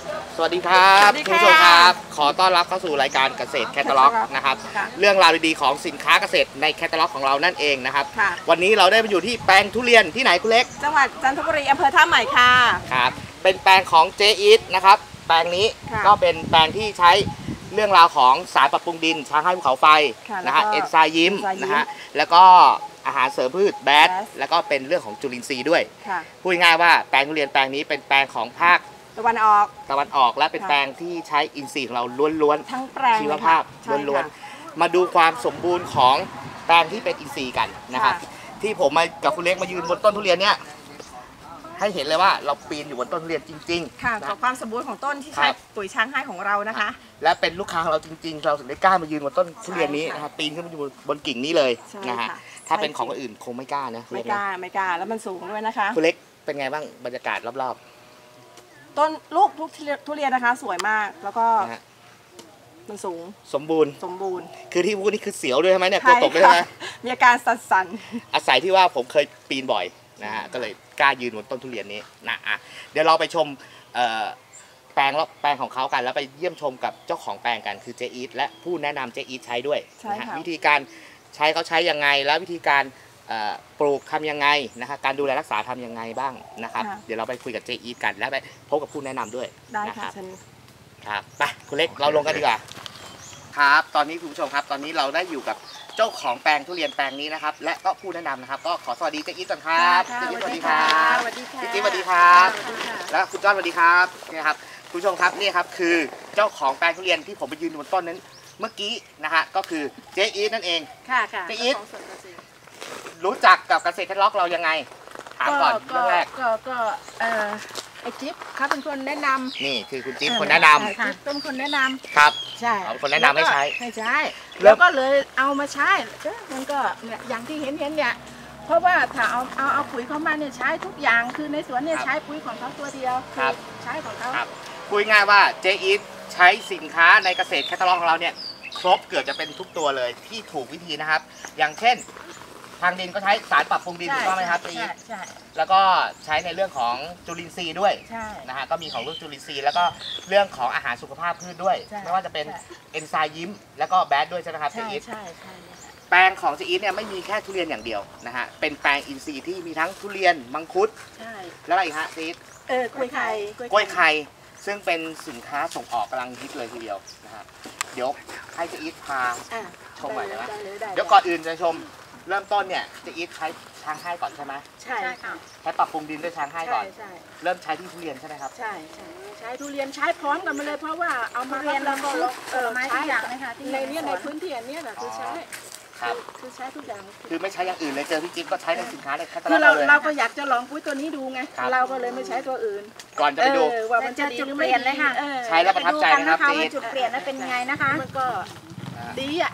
สวัสดีครับคุณผู้ชมครับขอต้อนรับเข้าสู่รายการเกษตรแคตตาล็อกนะครับเรื่องราวดีๆของสินค้าเกษตรในแคตตาล็อกของเรานั่นเองนะครับวันนี้เราได้มาอยู่ที่แปลงทุเรียนที่ไหนคุณเล็กจังหวัดจันทบุรีอำเภอท่าใหม่ค่ะครับเป็นแปลงของเจอีทนะครับแปลงนี้ก็เป็นแปลงที่ใช้เรื่องราวของสารปรับปรุงดินช้างให้ภูเขาไฟนะฮะเอนไซม์ยิ้มนะฮะแล้วก็อาหารเสริมพืชแบดแล้วก็เป็นเรื่องของจุลินทรีย์ด้วยพูดง่ายๆว่าแปลงทุเรียนแปลงนี้เป็นแปลงของภาคตะวันออกและเป็นแปลงที่ใช้อินทรีย์ของเราล้วนๆทั้งแปลงชีวภาพล้วนๆมาดูความสมบูรณ์ของแปลงที่เป็นอินทรีย์กันนะครับที่ผมมากับคุณเล็กมายืนบนต้นทุเรียนเนี่ยให้เห็นเลยว่าเราปีนอยู่บนต้นทุเรียนจริงๆค่ะกับความสมบูรณ์ของต้นที่ใช้ปุ๋ยช้างให้ของเรานะคะและเป็นลูกค้าของเราจริงๆเราถึงได้กล้ามายืนบนต้นทุเรียนนี้นะครับปีนขึ้นมาอยู่บนกิ่งนี้เลยนะฮะถ้าเป็นของคนอื่นคงไม่กล้านะไม่กล้าแล้วมันสูงด้วยนะคะคุณเล็กเป็นไงบ้างบรรยากาศรอบต้นลูกทุเรียนนะคะสวยมากแล้วก็มันสูงสมบูรณ์คือที่พูดนี่คือเสียวด้วยใช่ไหมเนี่ยกลัวตกด้วยใช่ไหมมีอาการสั่นๆอาศัยที่ว่าผมเคยปีนบ่อยนะฮะก็เลยกล้ายืนบนต้นทุเรียนนี้นะเดี๋ยวเราไปชมแปลงของเขากันแล้วไปเยี่ยมชมกับเจ้าของแปลงกันคือเจอีทและผู้แนะนำเจอีทใช้ด้วยนะฮะวิธีการใช้เขาใช้ยังไงและวิธีการปลูกทำยังไงนะครับการดูแลรักษาทำยังไงบ้างนะครับเดี๋ยวเราไปคุยกับเจอีทกันและไปพบกับผู้แนะนำด้วยนะครับครับไปคุณเล็กเราลงกันดีกว่าครับตอนนี้คุณผู้ชมครับตอนนี้เราได้อยู่กับเจ้าของแปลงทุเรียนแปลงนี้นะครับและก็ผู้แนะนำนะครับก็ขอสวัสดีเจอีทก่อนครับเจอีทสวัสดีครับพี่จิ๊บสวัสดีครับแล้วคุณจ้อนสวัสดีครับนี่ครับคุณผู้ชมครับนี่ครับคือเจ้าของแปลงทุเรียนที่ผมไปยืนบนต้นนั้นเมื่อกี้นะฮะก็คือเจอีทนั่นเองค่ะเจอีทรู้จักกับเกษตรแคตตาล็อกเรายังไงถามก่อนเรื่องแรกก็ไอจิ๊บเขาเป็นคนแนะนำนี่คือคุณจิ๊บคนแนะนำเป็นคนแนะนำครับใช่เอาคนแนะนำให้ใช้แล้วก็เลยเอามาใช้มันก็อย่างที่เห็นเนี่ยเพราะว่าถ้าเอาปุ๋ยเขามาเนี่ยใช้ทุกอย่างคือในสวนเนี่ยใช้ปุ๋ยของเขาตัวเดียวใช้ของเขาพูดง่ายว่าเจอีทใช้สินค้าในเกษตรแคตตาล็อกของเราเนี่ยครบเกือบจะเป็นทุกตัวเลยที่ถูกวิธีนะครับอย่างเช่นทางดินก็ใช้สารปรับปรุงดินถูกต้องไหมครับใช่แล้วก็ใช้ในเรื่องของจุลินทรีย์ด้วยนะฮะก็มีของเรื่องจุลินทรีย์แล้วก็เรื่องของอาหารสุขภาพพืชด้วยไม่ว่าจะเป็นเอนไซม์ยิ้มแล้วก็แบดด้วยใช่ไหมครับเจอีทแปลงของเจอีทเนี่ยไม่มีแค่ทุเรียนอย่างเดียวนะฮะเป็นแปลงอินทรีย์ที่มีทั้งทุเรียนมังคุดแล้วอะไรอีกฮะเจอีทกล้วยไข่ซึ่งเป็นสินค้าส่งออกกำลังฮิตเลยทีเดียวนะฮะเดี๋ยวให้เจอีทพาชมหน่อยได้ไหมเดี๋ยวก่อนอื่นจะชมเริ่มต้นเนี่ยเจอีทใช้ช้างให้ก่อนใช่ไหมใช่ค่ะใช้ปรับปรุงดินด้วยช้างให้ก่อนเริ่มใช้ที่ทุเรียนใช่ไหมครับใช่ใช้ทุเรียนใช้พร้อมกันมาเลยเพราะว่าเอามาเรียนแล้วก็ไม้ทุกอย่างนะคะในพื้นที่อันนี้คือใช้คือใช้ทุกอย่างคือไม่ใช้อย่างอื่นเลยเจอพี่จิ๊บก็ใช้ในสินค้าในแคตตาล็อกเลยคือเราก็อยากจะลองปุ๋ยตัวนี้ดูไงเราก็เลยไม่ใช้ตัวอื่นก่อนจะไปดูว่ามันจะจุดเปลี่ยนเลยค่ะใช้แล้วประทับใจนะครับว่าจุดเปลี่ยนแล้วเป็นไงนะคะมันก็ดีอ่ะ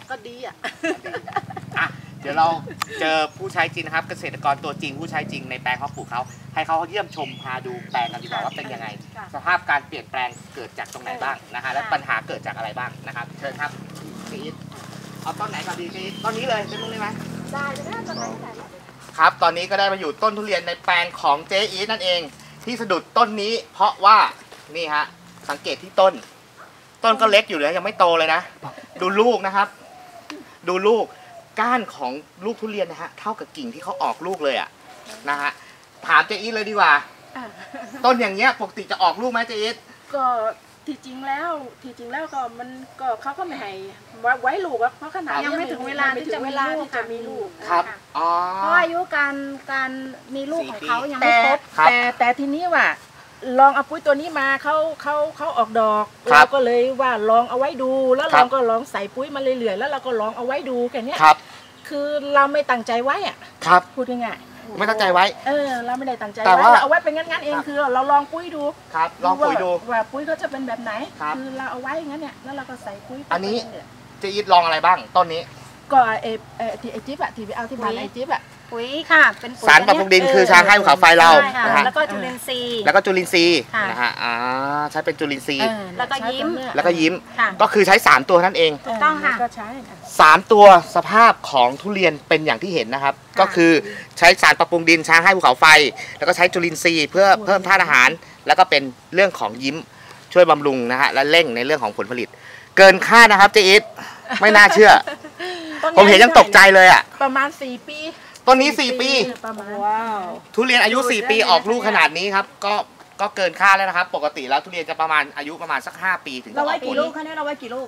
เดี๋ยวเราเจอผู้ใช้จริงนะครับเกษตรกรตัวจริงผู้ใช้จริงในแปลงเขาปลูกเขาให้เขาเยี่ยมชมพาดูแปลงกันดีกว่าว่าเป็นยังไงสภาพการเปลี่ยนแปลงเกิดจากตรงไหนบ้างนะฮะและปัญหาเกิดจากอะไรบ้างนะครับเชิญครับซีดเอาต้นไหนก่อนดีซีดต้นนี้เลยเป็นต้นนี้ไหมได้ต้นไหนครับตอนนี้ก็ได้มาอยู่ต้นทุเรียนในแปลงของเจอีทนั่นเองที่สะดุดต้นนี้เพราะว่านี่ฮะสังเกตที่ต้นก็เล็กอยู่เลยยังไม่โตเลยนะดูลูกนะครับดูลูกก้านของลูกทุเรียนนะฮะเท่ากับกิ่งที่เขาออกลูกเลยอ่ะนะฮะถามเจอีทเลยดีกว่าต้นอย่างเงี้ยปกติจะออกลูกไหมเจอีทก็ที่จริงแล้วก็มันก็เขาก็ไม่ให้ไว้ลูกเพราะขนาดยังไม่ถึงเวลาที่จะมีลูกครับเพราะอายุการมีลูกของเขายังไม่ครบแต่ทีนี้ว่าลองเอาปุ๋ยตัวนี้มาเขาออกดอกเราก็เลยว่าลองเอาไว้ดูแล้วเราก็ลองใส่ปุ๋ยมาเรื่อยๆแล้วเราก็ลองเอาไว้ดูแค่นี้คือเราไม่ตั้งใจไว้อ่ะพูดง่ายๆไม่ตั้งใจไว้เราไม่ได้ตั้งใจไว้เราเอาไว้เป็นงั้นเองคือเราลองปุ๋ยดูครับลองปุ๋ยดูว่าปุ๋ยเขาจะเป็นแบบไหนคือเราเอาไว้งั้นเนี่ยแล้วเราก็ใส่ปุ๋ยอันนี้จะอีทลองอะไรบ้างต้นนี้ก็ไอจิ๊บอะที่ไปเอาที่บ้านไอจิ๊บอะปุ๋ยค่ะเป็นสารปรับปรุงดินคือช้างให้ภูเขาไฟเราแล้วก็จุลินทรีย์นะฮะใช้เป็นจุลินทรีย์แล้วก็ยิ้มก็คือใช้3ตัวนั่นเองถูกต้องค่ะก็ใช้ 3ตัวสภาพของทุเรียนเป็นอย่างที่เห็นนะครับก็คือใช้สารปรับปรุงดินช้างให้ภูเขาไฟแล้วก็ใช้จุลินทรีย์เพื่อเพิ่มธาตุอาหารแล้วก็เป็นเรื่องของยิ้มช่วยบำรุงนะฮะและเร่งในเรื่องของผลผลิต เกินคาดนะครับเจอิทไม่น่าเชื่อ ผมเห็นยังตกใจเลยอ่ะประมาณ4 ปีต้นนี้4 ปีประมาณว้าวทุเรียนอายุ4 ปีออกลูกขนาดนี้ครับก็เกินคาดแล้วนะครับปกติแล้วทุเรียนจะประมาณอายุประมาณสัก5 ปีถึงจะออกผลเราไว้กี่ลูกคะเนี่ยเราไว้กี่ลูก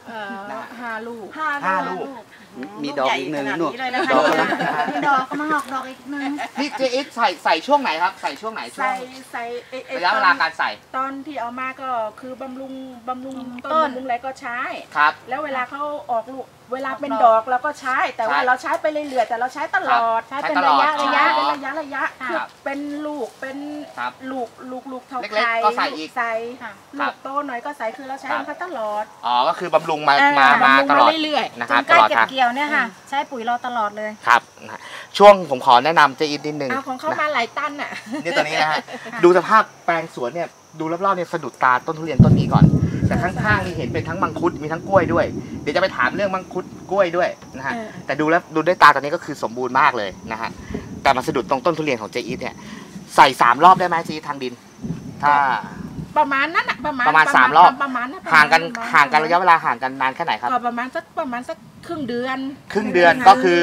5 ลูก 5 ลูกมีดอกอีกหนึ่งหนูดอกมีดอกก็มาออกดอกอีกหนึ่งนี่เจอิทใส่ช่วงไหนครับใส่ช่วงไหนช่วงใส่ระยะเวลาการใส่ตอนที่เอามาก็คือบำรุงต้นบำรุงอะไรก็ใช้ครับแล้วเวลาเขาออกลูกเวลาเป็นดอกเราก็ใช้แต่ว่าเราใช้ไปเรื่อยๆแต่เราใช้ตลอดใช้เป็นระยะเป็นระยะคือเป็นลูกเป็นลูกเท่าไข่ก็ใส่อีกใส่ลูกโตหน่อยก็ใส่คือเราใช้มันตลอดอ๋อก็คือบำรุงมาตลอดเรื่อยๆนะครับใกล้เก็บเกี่ยวเนี่ยค่ะใช้ปุ๋ยเราตลอดเลยครับช่วงผมขอแนะนำเจอิทนิดนึงของเขามาหลายตันอ่ะนี่ตัวนี้นะฮะดูสภาพแปลงสวนเนี่ยดูรอบๆเนี่ยสะดุดตาต้นทุเรียนต้นนี้ก่อนแต่ข้างๆนี่เห็นเป็นทั้งมังคุดมีทั้งกล้วยด้วยเดี๋ยวจะไปถามเรื่องมังคุดกล้วยด้วยนะฮะแต่ดูด้วยตาตอนนี้ก็คือสมบูรณ์มากเลยนะฮะแต่มาสะดุดตรงต้นทุเรียนของเจอิทเนี่ยใส่3 รอบได้ไหมเจอิททางดินถ้าประมาณนั้นอ่ะประมาณ 3 รอบประมาณนั้นห่างกันระยะเวลาห่างกันนานแค่ไหนครับก็ประมาณสักครึ่งเดือนก็คือ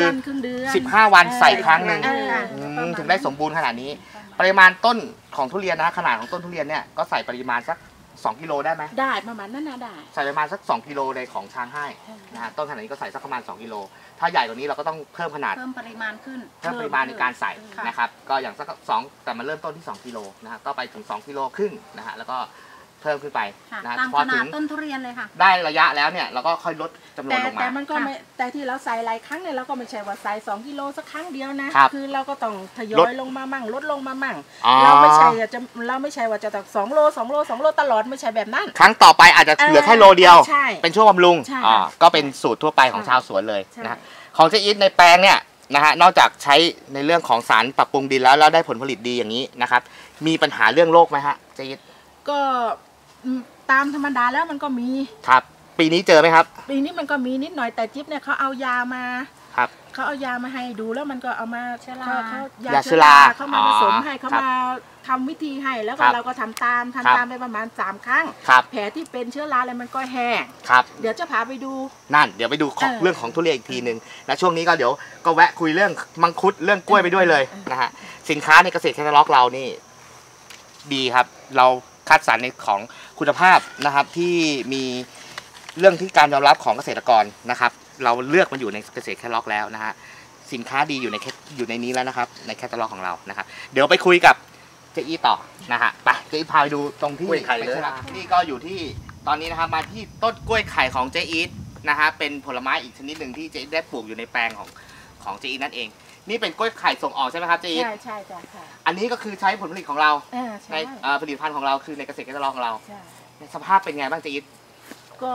15 วันใส่ครั้งหนึ่งถึงได้สมบูรณ์ขนาดนี้ปริมาณต้นของทุเรียนนะขนาดของต้นทุเรียนเนี่ยก็ใส่ปริมาณสัก2 กิโลได้ไหมได้ประมาณนั้นนะได้ใส่ประมาณสัก2 กิโลในของช้างให้นะฮะต้นขนาดนี้ก็ใส่สักประมาณ2 กิโลถ้าใหญ่กว่านี้เราก็ต้องเพิ่มขนาดเพิ่มปริมาณขึ้นเพิ่มปริมาณในการใส่นะครับก็อย่างสัก2แต่มาเริ่มต้นที่2 กิโลนะฮะก็ไปถึง2 กิโลครึ่งนะฮะแล้วก็เพิ่มขึ้นไปนะตามขนาดต้นทุเรียนเลยค่ะได้ระยะแล้วเนี่ยเราก็ค่อยลดจำนวนลงมาแต่มันก็ไม่แต่ที่เราใส่หลายครั้งเนี่ยเราก็ไม่ใช่ว่าใส่2 กิโลสักครั้งเดียวนะคือเราก็ต้องทยอยลงมามั่งลดลงมามั่งเราไม่ใช่ว่าจะต้อง2 โลตลอดไม่ใช่แบบนั้นครั้งต่อไปอาจจะเหลือแค่โลเดียวเป็นช่วงบำรุงก็เป็นสูตรทั่วไปของชาวสวนเลยนะของเจอิทในแปลงเนี่ยนะฮะนอกจากใช้ในเรื่องของสารปรับปรุงดินแล้วได้ผลผลิตดีอย่างนี้นะครับมีปัญหาเรื่องโรคไหมฮะเจอิทก็ตามธรรมดาแล้วมันก็มีครับปีนี้เจอไหมครับปีนี้มันก็มีนิดหน่อยแต่จิ๊บเนี่ยเขาเอายามาครับเขาเอายามาให้ดูแล้วมันก็เอามาเขายาเชื้อราเขามาผสมให้เขามาทำวิธีให้แล้วก็เราก็ทำตามไปประมาณ3 ครั้งแผลที่เป็นเชื้อราอะไรมันก็แห้งเดี๋ยวจะพาไปดูนั่นเดี๋ยวไปดูเรื่องของทุเรียนอีกทีนึงและช่วงนี้ก็เดี๋ยวก็แวะคุยเรื่องมังคุดเรื่องกล้วยไปด้วยเลยนะฮะสินค้าในเกษตรแคตตาล็อกเรานี่ดีครับเราคัดสรรในของคุณภาพนะครับที่มีเรื่องที่การยอมรับของเกษตรกรนะครับเราเลือกมันอยู่ในเกษตรแคตตาล็อกแล้วนะฮะสินค้าดีอยู่ในนี้แล้วนะครับในแคตตาล็อกของเรานะครับเดี๋ยวไปคุยกับเจอิทต่อนะฮะไปเจอิทพาไปดูตรงที่กล้วยไข่เลยนี่ก็อยู่ที่ตอนนี้นะครับมาที่ต้นกล้วยไข่ของเจอิทนะฮะเป็นผลไม้อีกชนิดหนึ่งที่เจอิทได้ปลูกอยู่ในแปลงของเจอิทนั่นเองนี่เป็นกล้วยไข่ส่งออกใช่ไหมครับเจอิทใช่อันนี้ก็คือใช้ผลผลิตของเราในผลิตภัณฑ์ของเราคือในเกษตรแคตตาล็อกของเราสภาพเป็นไงบ้างเจอิทก็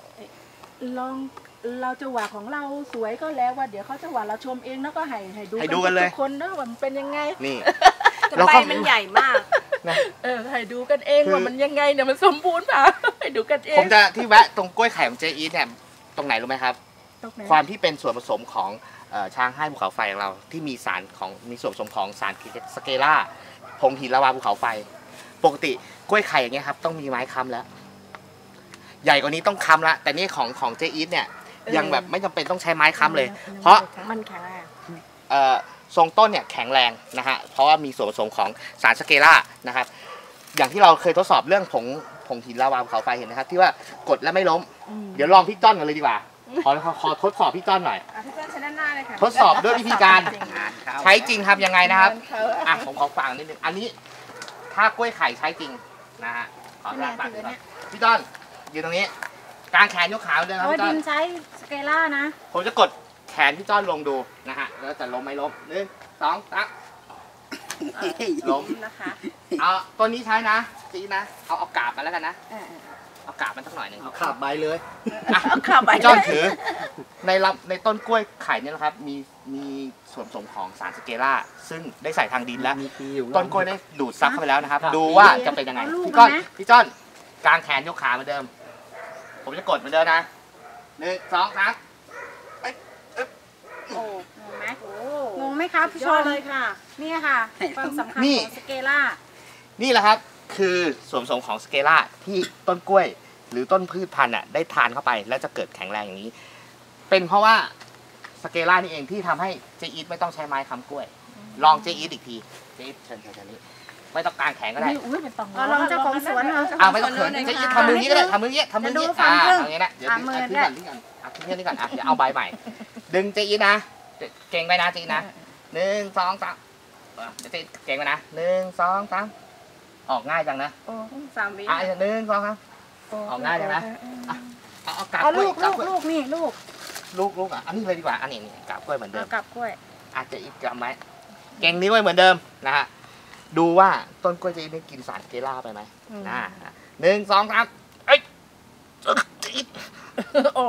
เราจะว่าของเราสวยก็แล้วว่าเดี๋ยวเขาจะว่าเราชมเองแล้วก็ให้ดูกันเลยทุกคนนะว่ามันเป็นยังไงนี่ใบมันใหญ่มากให้ดูกันเองว่ามันยังไงเนี่ยมันสมบูรณ์เปล่าให้ดูกันเองผมจะที่แวะตรงกล้วยไข่ของเจอิทเนี่ยตรงไหนรู้ไหมครับความที่เป็นส่วนผสมของช้างให้ภูเขาไฟของเราที่มีส่วนผสมของสารสเกล่าผงหินละวาภูเขาไฟปกติกล้วยไข่อย่างเงี้ยครับต้องมีไม้ค้ำแล้วใหญ่กว่านี้ต้องค้ำละแต่นี่ของเจอิทเนี่ยยังแบบไม่จำเป็นต้องใช้ไม้ค้ำเลยเพราะมันแข็งแรงทรงต้นเนี่ยแข็งแรงนะฮะเพราะว่ามีส่วนผสมของสารสเกล่านะครับอย่างที่เราเคยทดสอบเรื่องผงหินละวาภูเขาไฟเห็นไหมครับที่ว่ากดแล้วไม่ล้มเดี๋ยวลองพี่จ้อนกันเลยดีกว่าขอทดสอบพี่จ้อนหน่อยพี่จ้อนใช้ด้านหน้าเลยค่ะทดสอบด้วยวิธีการใช้จริงครับยังไงนะครับผมขอฟังนิดนึงอันนี้ถ้ากล้วยไข่ใช้จริงนะฮะขอตัดพี่จ้อนยืนตรงนี้กางแขนยกขาเดินครับพี่จ้อนใช้สเกล่านะผมจะกดแขนพี่จ้อนลงดูนะฮะแล้วจะล้มไม่ล้ม1 2 3ล้มนะคะเอาตัวนี้ใช้นะจีนะเอากาบมาแล้วกันนะเอากาบมันสักหน่อยหนึ่งเอาขาบใบเลยเอาขาบใบจ้อนถือในต้นกล้วยไข่เนี่ยนะครับมีส่วนผสมของสารสเกล่าซึ่งได้ใส่ทางดินแล้วต้นกล้วยได้ดูดซับเข้าไปแล้วนะครับดูว่าจะเป็นยังไงพี่จ้อนกางแขนยกขาเหมือนเดิมผมจะกดเหมือนเดิมนะ1 2 3 งงไหมครับพี่ชมเลยค่ะนี่ค่ะความสำคัญของสเกล่านี่แหละครับคคือส่วนผสมของสเกล่าที่ต้นกล้วยหรือต้นพืชพันธุ์อ่ะได้ทานเข้าไปแล้วจะเกิดแข็งแรงอย่างนี้ เป็นเพราะว่าสเกล่านี่เองที่ทำให้เจอีทไม่ต้องใช้ไม้ค้ำกล้วยลองเจอีทอีกทีเจอีทเชิญนี่ไม่ต้องกางแขนก็ได้อุ้ยเป็นตองลองเจ้าของสวนเหรอไม่ต้องเขินเจอีททำมือนี้ก็ได้ทำมือนี้ทำมือนี้อย่างนี้นะเดี๋ยวขึ้นก่อนขึ้นก่อนเดี๋ยวเอาใบใหม่ดึงเจอีทนะเก่งไปนะเจอีทนะ1 2 3เดี๋ยวเก่งไปนะ1 2 3ออกง่ายจังนะ 3 วิ 1 2 3ออกง่ายจังนะเอากาบเอากล้วยลูกนี่ลูกลูกอ่ะอันนี้เลยดีกว่าอันนี้กาบกล้วยเหมือนเดิมกับกล้วยอาจจะอีกกำไหมเก่งนิ้วไว้เหมือนเดิมนะฮะดูว่าต้นกล้วยจะได้กินสารเกล่าไปไหม1 2 3เอ้ยโอ้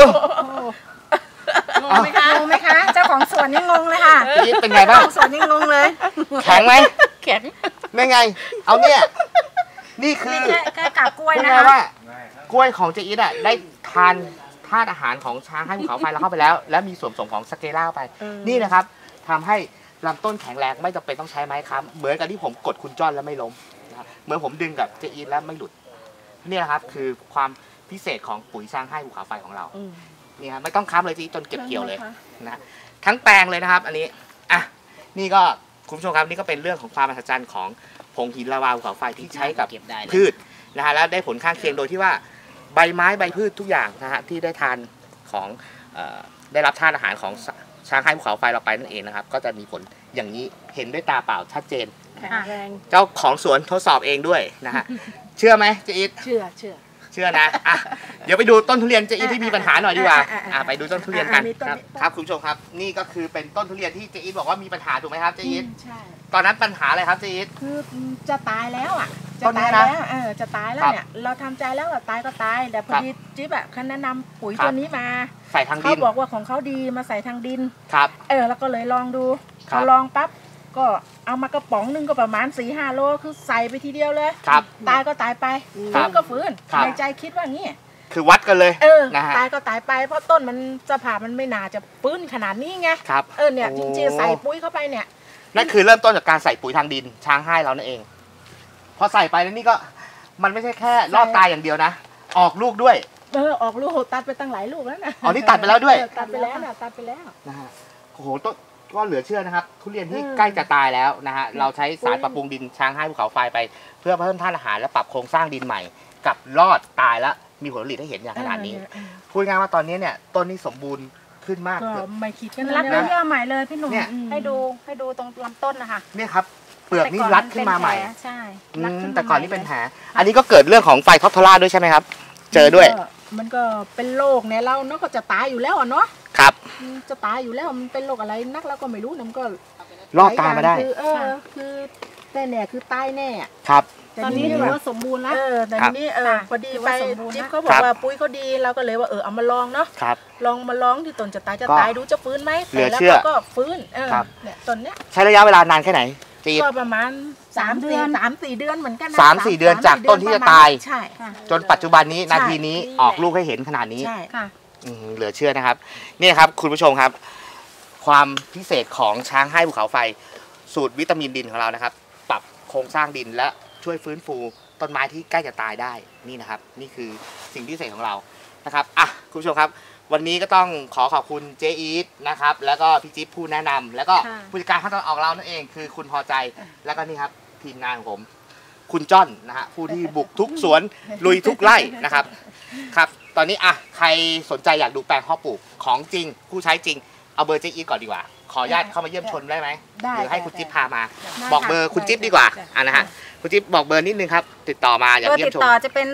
งงไหมคะ เจ้าของสวนนี่งงเลยค่ะเป็นไงบ้างเจ้าของสวนนี่งงเลยแข็งไหมแข็งไม่ไงเอาเนี่ยนี่คือแค่กับกล้วยพูดนะง่ายคะว่ากล้วยของเจอีทอ่ะได้ทานธาตุอาหารของช้างให้ภูเขาไฟเราเข้าไปแล้วและมีส่วนผสมของสเกล่าไปนี่นะครับทำให้ลำต้นแข็งแรงไม่จำเป็นต้องใช้ไม้ค้ำเหมือนกับที่ผมกดคุณจ้อนแล้วไม่ล้มนะครับเหมือนผมดึงกับเจอีทแล้วไม่หลุดนี่นะครับคือความพิเศษของปุ๋ยช้างให้ภูเขาไฟของเรานี่ครับไม่ต้องค้ำเลยเจอีทจนเก็บเกี่ยวเลยนะทั้งแปลงเลยนะครับอันนี้อ่ะนี่ก็คุณผู้ชมครับนี่ก็เป็นเรื่องของความมหัศจรรย์ของผงหินลาวาภูเขาไฟที่ใช้กับพืชนะฮะแล้วได้ผลข้างเคียงโดยที่ว่าใบไม้ใบพืชทุกอย่างนะฮะที่ได้ทานของได้รับธาตุอาหารของช้างให้ภูเขาไฟเราไปนั่นเองนะครับก็จะมีผลอย่างนี้เห็นด้วยตาเปล่าชัดเจนแข็งแรงเจ้าของสวนทดสอบเองด้วยนะฮะเชื่อไหมเจอีทเชื่อนะอ่ะเดี๋ยวไปดูต้นทุเรียนเจอีทที่มีปัญหาหน่อยดีกว่าไปดูต้นทุเรียนกันครับคุณผู้ชมครับนี่ก็คือเป็นต้นทุเรียนที่เจอีทบอกว่ามีปัญหาถูกไหมครับเจอีทใช่ตอนนั้นปัญหาอะไรครับเจอีทคือจะตายแล้วอ่ะต้นนี้นะจะตายแล้วเนี่ยเราทำใจแล้วว่าตายก็ตายแต่พอดีจิ๊บอ่ะเขาแนะนำปุ๋ยตัวนี้มาใส่ทางดิเขานบอกว่าของเขาดีมาใส่ทางดินครับแล้วก็เลยลองดูครัพบอลองปั๊บก็เอามากระป๋องนึงก็ประมาณ 4-5 โลคือใส่ไปทีเดียวเลยครับตายก็ตายไปครัฟื้บนก็ฟื้นครับในใจคิดว่างี้คือวัดกันเลย นะฮะตายก็ตายไปเพราะต้นมันสภาพมันไม่น่าจะฟื้นขนาดนี้ไงครับเนี่ยโอ้จริงๆใส่ปุ๋ยเข้าไปเนี่ยนั่นคือเริ่มต้นจากการใส่ปุ๋ยทางดินช้างให้เรานั่นเองพอใส่ไปแล้วนี่ก็มันไม่ใช่แค่รอดตายอย่างเดียวนะออกลูกด้วยออกลูกตัดไปตั้งหลายลูกแล้วนะอ๋อนี่ตัดไปแล้วด้วยตัดไปแล้วนะตัดไปแล้วนะฮะโอ้โหต้นก็เหลือเชื่อนะครับ ทุเรียนที่ใกล้จะตายแล้วนะฮะเราใช้สารปรับปรุงดินช้างให้ภูเขาไฟไป เพื่อเพิ่มธาตุอาหารและปรับโครงสร้างดินใหม่กับรอดตายแล้วมีผลผลิตให้เห็นอย่างขนาดนี้พูดง่ายว่าตอนนี้เนี่ยต้นนี้สมบูรณ์ขึ้นมากก็ไม่คิดกันรัดนะด้วยเยื่อใหม่เลยพี่หนุ่มเนี่ยให้ดูตรงลำต้นนะคะเนี่ยครับเปลือกนี่รัดขึ้นมาใหม่ใช่แต่ก่อนนี่เป็นแผลอันนี้ก็เกิดเรื่องของไฟท็อปทอร่าด้วยใช่ไหมครับ เจอด้วยมันก็เป็นโรคเนี่ยเราเนาะก็จะตายอยู่แล้วอ่ะเนาะครับจะตายอยู่แล้วมันเป็นโรคอะไรนักเราก็ไม่รู้นะมันก็รอดตายมาได้คือแต่เนี่ยคือตายแน่ครับตอนนี้ถือว่าสมบูรณ์แล้วแต่นี้ค่ะพอดีถือไปว่าสมบูรณ์นะจิ๊บเขาบอกว่าปุ๋ยเขาดีเราก็เลยว่าเอามาลองเนาะครับลองมาลองที่ต้นจะตายดูจะฟื้นไหมเหลือแล้วเชื่อก็ฟื้นครับเนี่ยต้นเนี้ยใช้ระยะเวลานานแค่ไหนจีดก็ประมาณ 3 เดือน 3-4 เดือนเหมือนกันนะ 3-4 เดือนจากต้นที่จะตายใช่ค่ะจนปัจจุบันนี้ใช่นาทีนี้นี่แหละออกลูกให้เห็นขนาดนี้ใช่ค่ะเหลือเชื่อนะครับนี่ครับคุณผู้ชมครับ ความพิเศษของช้างให้ภูเขาไฟ สูตรวิตามินดินของเรานะครับ ปรับโครงสร้างดินและช่วยฟื้นฟูต้นไม้ที่ใกล้จะตายได้นี่นะครับ นี่คือสิ่งพิเศษของเรานะครับคุณผู้ชมครับ วันนี้ก็ต้องขอขอบคุณเจอีทนะครับแล้วก็พี่จิ๊บผู้แนะนำแล้วก็ค่ะผู้จัดการขั้นตอนออกเรานั่นเองคือคุณพอใจแล้วก็นี่ครับทีมงานของผมคุณจ้อนนะฮะผู้ที่บุกทุกสวนลุยทุกไร่นะครับครับตอนนี้ใครสนใจอยากดูแปลงเพาะปลูกของจริงผู้ใช้จริงเอาเบอร์เจอีทก่อนดีกว่าขออนุญาตเข้ามาเยี่ยมชมได้ไหมได้หรือให้คุณจิ๊บพามาได้บอกเบอร์คุณจิ๊บดีกว่านะฮะคุณจิ๊บบอกเบอร์นิดนึงครับติดต่อมาอยากเบอร์เยี่ยติมดชมต่อจะเป็น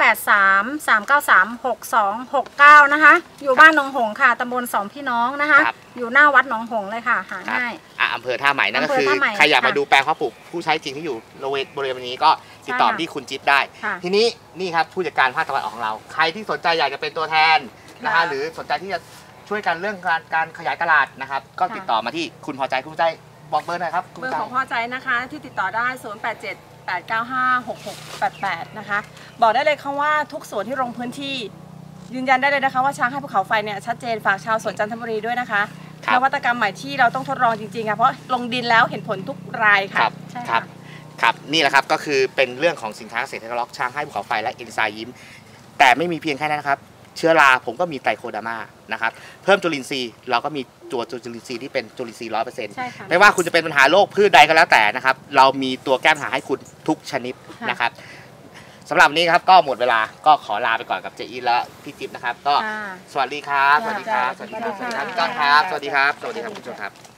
0833936269 นะคะ อยู่บ้านหนองหงส์ค่ะตำบลสองพี่น้องนะคะครับอยู่หน้าวัดหนองหงส์เลยค่ะ หาครับง่ายอำเภอท่าใหม่นั่นก็คืออำเภอท่าใหม่ใครอยากมาค่ะดูแปลงเพาะปลูกผู้ใช้จริงที่อยู่บริเวณนี้ก็ติดต่อใช่ค่ะที่คุณจิ๊บได้ค่ะทีนี้นี่ครับผู้จัดการภาคตะวันออกของเรา ใครที่สนใจอยากจะเป็นตัวแทนนะฮะค่ะหรือสนใจที่จะช่วยกันเรื่องการขยายตลาดนะครับ ก็ติดต่อมาที่คุณพอใจคุณพอใจบอกเบอร์หน่อยครับคุณเบอพอร์ใจของพ่อใจนะคะที่ติดต่อได้ 0878956688 นะคะ บอกได้เลยค่ะว่าทุกสวนที่ลงพื้นที่ ยืนยันได้เลยนะคะว่าช้างให้ภูเขาไฟเนี่ยชัดเจนฝากชาวสวนจันทบุรีด้วยนะคะครับนวัตกรรมใหม่ที่เราต้องทดลองจริงๆค่ะเพราะลงดินแล้วเห็นผลทุกรายคค่ะรับใช่ครัค่ะบครับนี่แหละครับก็คือเป็นเรื่องของสินค้าเกษตรทดลองช้างให้ภูเขาไฟและเอนไซม์ยิ้มแต่ไม่มีเพียงแค่นั้นนะครับเชื้อราผมก็มีไตรโคเดอร์มานะครับเพิ่มจุลินทรีย์เราก็มีตัวจุลินทรีย์ที่เป็นจุลินทรีย์100% ใช่ค่ะไม่ว่าคุณจะเป็นปัญหาโรคพืชใดก็แล้วแต่นะครับเรามีตัวแก้ปัญหาให้คุณทุกชนิดนะครับสำหรับวันนี้ครับก็หมดเวลาก็ขอลาไปก่อนกับเจอีและพี่จิ๊บนะครับก็สวัสดีครับสวัสดีครับสวัสดีครับสวัสดีครับพี่ก้องครับสวัสดีครับสวัสดีครับคุณผู้ชมครับ